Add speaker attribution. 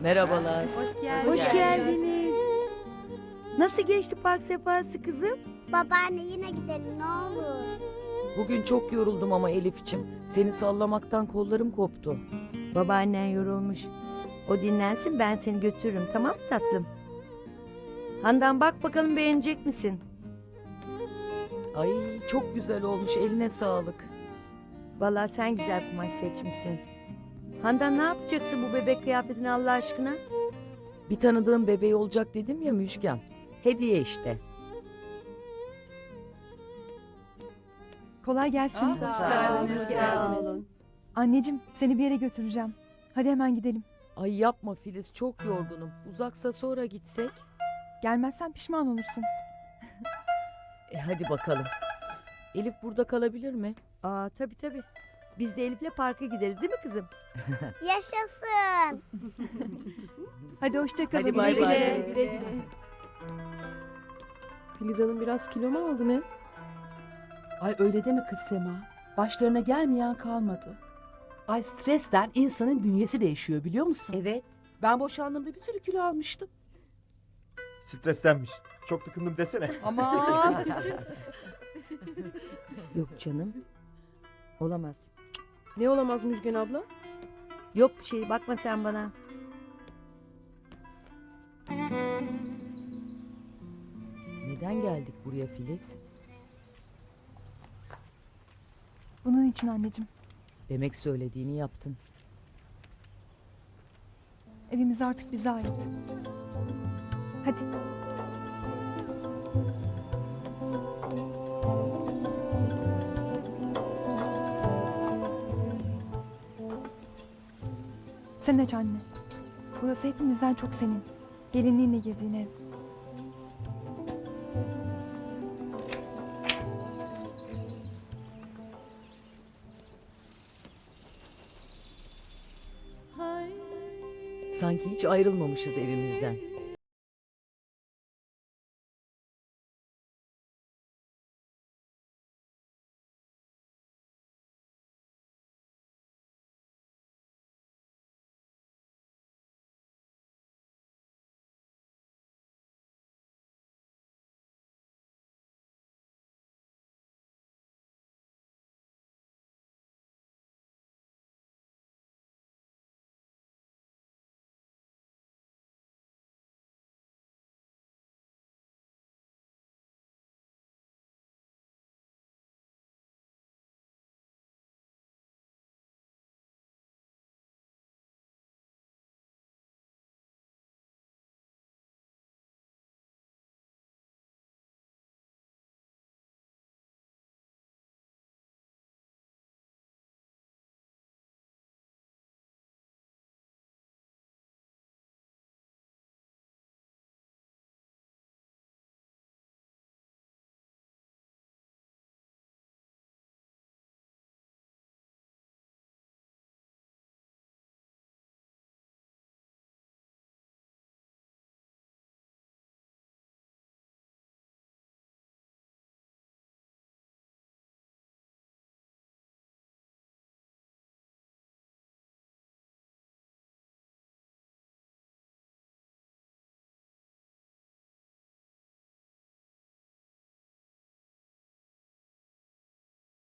Speaker 1: Merhabalar.
Speaker 2: Hoş geldiniz.
Speaker 3: Hoş geldiniz. Nasıl geçti park sefası kızım?
Speaker 4: Babaanne yine gidelim ne olur.
Speaker 1: Bugün çok yoruldum ama Elif'ciğim. Seni sallamaktan kollarım koptu.
Speaker 3: Babaannen yorulmuş. O dinlensin, ben seni götürürüm, tamam mı tatlım? Handan, bak bakalım beğenecek misin?
Speaker 1: Ay çok güzel olmuş, eline sağlık.
Speaker 3: Vallahi sen güzel kumaş seçmişsin. Handan, ne yapacaksın bu bebek kıyafetini Allah aşkına?
Speaker 1: Bir tanıdığım bebeği olacak dedim ya Müjgan. Hediye işte.
Speaker 2: Kolay gelsin.
Speaker 1: Sağ olun.
Speaker 2: Sağ olun. Anneciğim seni bir yere götüreceğim. Hadi hemen gidelim.
Speaker 1: Ay yapma Filiz, çok yorgunum. Uzaksa sonra gitsek.
Speaker 2: Gelmezsen pişman olursun.
Speaker 1: Hadi bakalım. Elif burada kalabilir mi?
Speaker 3: Aa, tabii. Biz de Elif'le parka gideriz değil mi kızım?
Speaker 4: Yaşasın.
Speaker 2: Hadi hoşça kalın.
Speaker 1: Hadi bay
Speaker 2: Güle
Speaker 1: bay.
Speaker 2: güle.
Speaker 5: Filiz Hanım biraz kilo mu aldı ne?
Speaker 6: Ay öyle deme kız Sema. Başlarına gelmeyen kalmadı. Ay stresten insanın bünyesi değişiyor biliyor musun?
Speaker 3: Evet.
Speaker 6: Ben boşandığımda bir sürü kilo almıştım.
Speaker 7: Strestenmiş. Çok tıkındım desene.
Speaker 6: Ama
Speaker 3: Yok canım. Olamaz.
Speaker 5: Ne olamaz Müjgan abla?
Speaker 3: Yok bir şey, bakma sen bana.
Speaker 1: Neden geldik buraya Filiz?
Speaker 2: Bunun için anneciğim.
Speaker 1: Demek söylediğini yaptın.
Speaker 2: Evimiz artık bize ait. Hadi. Sen aç anne. Burası hepimizden çok senin. Gelinliğinle girdiğin ev.
Speaker 1: Sanki hiç ayrılmamışız evimizden.